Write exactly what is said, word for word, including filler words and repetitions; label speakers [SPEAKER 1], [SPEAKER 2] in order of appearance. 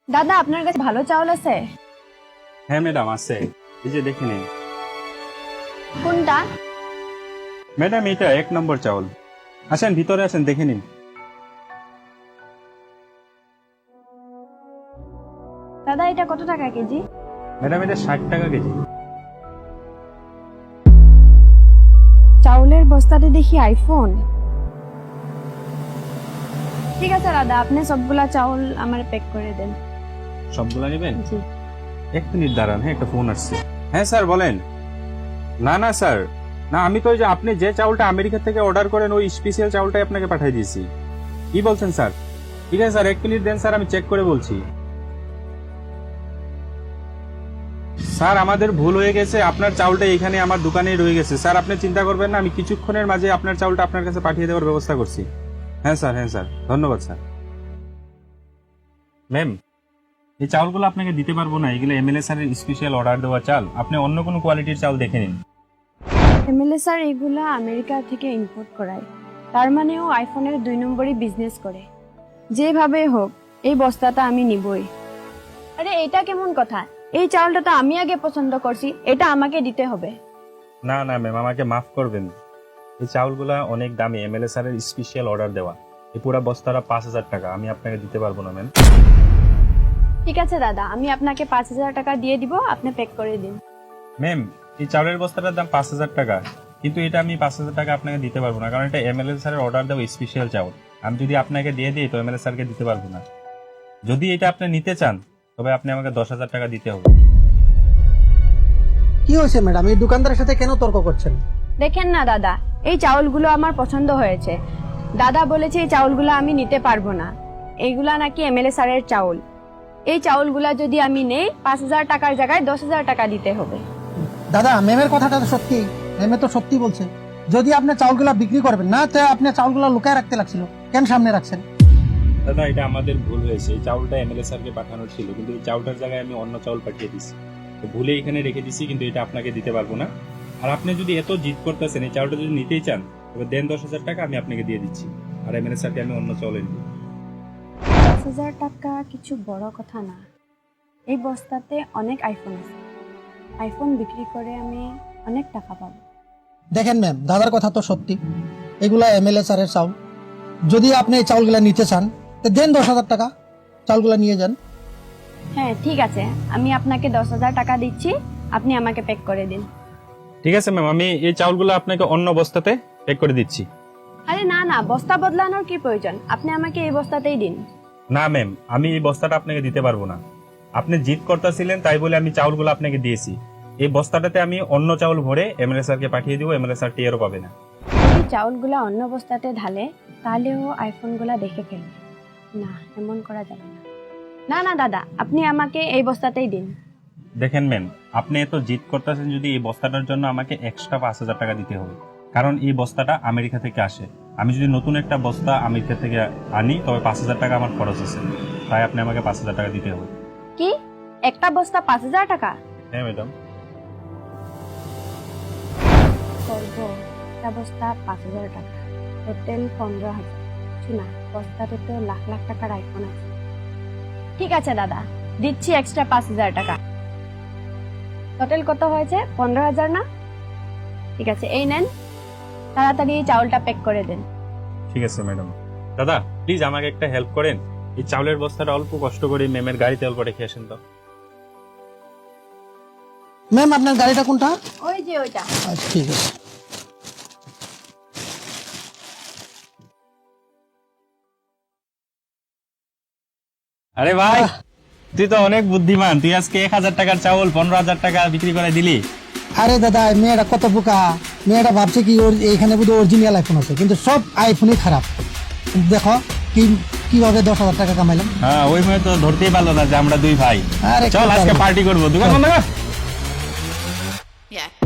[SPEAKER 1] দাদা আপনার কাছে ভালো চাউল আছে?
[SPEAKER 2] হ্যাঁ ম্যাডাম আছে, এই যে দেখে নিন।
[SPEAKER 1] কোনটা?
[SPEAKER 2] ম্যাডাম এটা এক নম্বর চাউল। আসেন ভিতরে আসেন, দেখে নিন।
[SPEAKER 1] দাদা এটা কত টাকা কেজি?
[SPEAKER 2] ম্যাডাম এটা ষাট টাকা কেজি।
[SPEAKER 1] চাউলের বস্তাতে দেখি আইফোন। ঠিক আছে দাদা, আপনি সবগুলা চাউল আমার প্যাক করে দেন।
[SPEAKER 2] সবগুলা নেবেন?
[SPEAKER 1] জি।
[SPEAKER 2] এক মিনিট দাঁড়ান, হ্যাঁ একটা ফোন আসছে। হ্যাঁ স্যার বলেন। না না স্যার, না আমি তো ওই যে আপনি যে চাউলটা আমেরিকা থেকে অর্ডার করেন ওই স্পেশাল চাউলটাই আপনাকে পাঠিয়ে দিয়েছি। কি বলছেন স্যার? ঠিক আছে স্যার, এক মিনিট দেন স্যার, আমি চেক করে বলছি। স্যার আমাদের ভুল হয়ে গেছে, আপনার চাউলটা এখানে আমার দোকানেই রয়ে গেছে। স্যার আপনি চিন্তা করবেন না, আমি কিছুক্ষণের মাঝে আপনার চাউলটা আপনার কাছে পাঠিয়ে দেওয়ার ব্যবস্থা করছি। হ্যাঁ স্যার, হ্যাঁ স্যার, ধন্যবাদ স্যার। ম্যাম এই চাউলগুলো আপনাকে দিতে পারবো না, এগুলো এমএলএ স্যারের স্পেশাল অর্ডার দেওয়া চাল। আপনি অন্য কোনো কোয়ালিটির চাউল দেখে নিন।
[SPEAKER 1] এমএলএ স্যার এগুলা আমেরিকা থেকে ইম্পোর্ট করায়, তার মানে ও আইফোনের দুই নম্বরই বিজনেস করে। যেভাবে হোক এই বস্তাটা আমি নিবই। আরে এটা কেমন কথা? এই চাউলটা তো আমি আগে পছন্দ করছি, এটা আমাকে দিতে হবে।
[SPEAKER 2] না না ম্যাম, আমাকে মাফ করবেন। এই চাউলগুলা অনেক দামি, এমএলএ স্যারের স্পেশাল অর্ডার দেওয়া। এই পুরো বস্তাটা পাঁচ হাজার টাকা, আমি আপনাকে দিতে পারবো না ম্যাম।
[SPEAKER 1] ঠিক আছে দাদা, আমি আপনাকে পাঁচ হাজার টাকা দিয়ে দিব, আপনি প্যাক করে দিন।
[SPEAKER 2] ম্যাম এই চাউলের বস্তাটার দাম পাঁচ হাজার টাকা, কিন্তু এটা আমি পাঁচ হাজার টাকা আপনাকে দিতে পারবো না, কারণ এটা এমএলএ স্যারের অর্ডার দেওয়া স্পেশাল চাউল। আমি যদি আপনাকে দিয়ে দিই তো এমএলএ স্যারকে দিতে পারবো না। যদি এটা আপনি নিতে চান তবে আপনি আমাকে দশ হাজার টাকা দিতে হবে।
[SPEAKER 3] কি হয়েছে ম্যাডাম, এই দোকানদারের সাথে কেন তর্ক করছেন?
[SPEAKER 1] দেখেন না দাদা, এই চাউলগুলো আমার পছন্দ হয়েছে। দাদা বলেছে এই চাউলগুলো আমি নিতে পারবো না, এইগুলা নাকি এমএলএ স্যারের চাউল। এই চাউলগুলা যদি আমি নেই, পাঁচ হাজার টাকার জায়গায় দশ হাজার টাকা দিতে হবে।
[SPEAKER 3] দাদা ম্যামের কথাটা তো সত্যি, ম্যামে তো সত্যি বলছে। যদি আপনি চাউলগুলা বিক্রি করবেন না, তো আপনি চাউলগুলা লুকায় রাখতে লাগছিল, কেন সামনে রাখছেন?
[SPEAKER 2] দাদা এটা আমাদের ভুল হয়েছে, এই চাউলটা এমএলএ স্যারকে পাঠানোর ছিল, কিন্তু এই চাউলটার জায়গায় আমি অন্য চাউল পাঠিয়ে দিছি। তো ভুলে এখানে রেখে দিছি, কিন্তু এটা আপনাকে দিতে পারবো না। আর আপনি যদি এত জিদ করতেছেন, এই চাউলটা যদি নিতেই চান তবে দেন দশ হাজার টাকা, আমি আপনাকে দিয়ে দিচ্ছি। আর এমএলএ স্যারকে আমি অন্য চাউল এনে দিই।
[SPEAKER 1] দশ হাজার টাকা কিছু বড় কথা না। এই বস্তাতে অনেক আইফোন আছে, আইফোন বিক্রি করে আমি অনেক টাকা পাবো।
[SPEAKER 3] দেখেন ম্যাম, দাদার কথা তো সত্যি, এগুলা এমএলএ স্যারের চাউল। যদি আপনি এই চাউলগুলা নিতে চান তো দেন দশ হাজার টাকা, চাউলগুলা নিয়ে যান।
[SPEAKER 1] হ্যাঁ ঠিক আছে, আমি আপনাকে দশ হাজার টাকা দিচ্ছি, আপনি আমাকে প্যাক করে দিন।
[SPEAKER 2] ঠিক আছে ম্যাম, আমি এই চাউলগুলো আপনাকে অন্য বস্তাতে প্যাক করে দিচ্ছি।
[SPEAKER 1] আরে না না, বস্তা বদলানোর কি প্রয়োজন, আপনি আমাকে এই বস্তাতেই দিন।
[SPEAKER 2] না ম্যাম, আমি এই বস্তাটা আপনাকে দিতে পারবো না। আপনি জিদ করতেছিলেন তাই বলে আমি চাউলগুলো আপনাকে দিয়েছি। এই বস্তাটাতে আমি অন্য চাউল ভরে এমএলএ স্যারকে পাঠিয়ে দিব, এমএলএ স্যার টিয়ারও পাবে না।
[SPEAKER 1] যদি চাউলগুলা অন্য বস্তাতে ঢালে তাহলে ও আইফোনগুলা দেখে ফেলবে। না, এমন করা যাবে না। না না দাদা, আপনি আমাকে এই বস্তাতেই দিন।
[SPEAKER 2] দেখেন ম্যাম, আপনি এত জিদ করতেছেন, যদি এই বস্তাটার জন্য আমাকে এক্সট্রা পাঁচ হাজার টাকা দিতে হবে, কারণ এই বস্তাটা আমেরিকা থেকে আসে। আমি যদি নতুন একটা বস্তা আমেরিকা থেকে আনি তবে পাঁচ হাজার টাকা আমার খরচ আছে, তাই আপনি আমাকে পাঁচ হাজার টাকা দিতে হবে।
[SPEAKER 1] কি, একটা বস্তা পাঁচ হাজার টাকা?
[SPEAKER 2] হ্যাঁ ম্যাডাম।
[SPEAKER 1] করব, একটা বস্তা পাঁচ হাজার টাকা, টোটাল পনেরো হাজার। শোনা, বস্তাতে তো লাখ লাখ টাকার আইফোন আছে। ঠিক আছে দাদা, দিচ্ছি এক্সট্রা পাঁচ হাজার টাকা। টোটাল কত হয়েছে? পনেরো হাজার না? ঠিক আছে, এই নেন, তাড়াতাড়ি চাউলটা প্যাক করে দেন।
[SPEAKER 2] ঠিক আছে ম্যাডাম। দাদা প্লিজ আমাকে একটা হেল্প করেন, এই চাউলের বস্তাটা অল্প কষ্ট করে ম্যামের গাড়িতে অল্প রেখে আসেন তো।
[SPEAKER 3] ম্যাম আপনার গাড়িটা কোনটা?
[SPEAKER 1] ওই যে ওইটা।
[SPEAKER 3] আচ্ছা ঠিক আছে।
[SPEAKER 2] আরে ভাই, তুই তো অনেক বুদ্ধিমান, তুই আজকে এক হাজার টাকার চাউল পনেরো হাজার টাকা বিক্রি করে দিলি।
[SPEAKER 3] আরে দাদা, মেয়েটা কত বোকা, মেয়েটা ভাবছে কি ওর এইখানে বোধহয় অরিজিনাল আইফোন আছে, কিন্তু সব আইফোনই খারাপ। দেখো কি কিভাবে দশ হাজার টাকা কামাইলাম।
[SPEAKER 2] হ্যাঁ ওই মেয়ে তো ধরতেই পারলো না যে আমরা দুই ভাই।
[SPEAKER 3] আরে
[SPEAKER 2] চল আজকে পার্টি করবো, দোকান বন্ধ কর।
[SPEAKER 4] Yeah.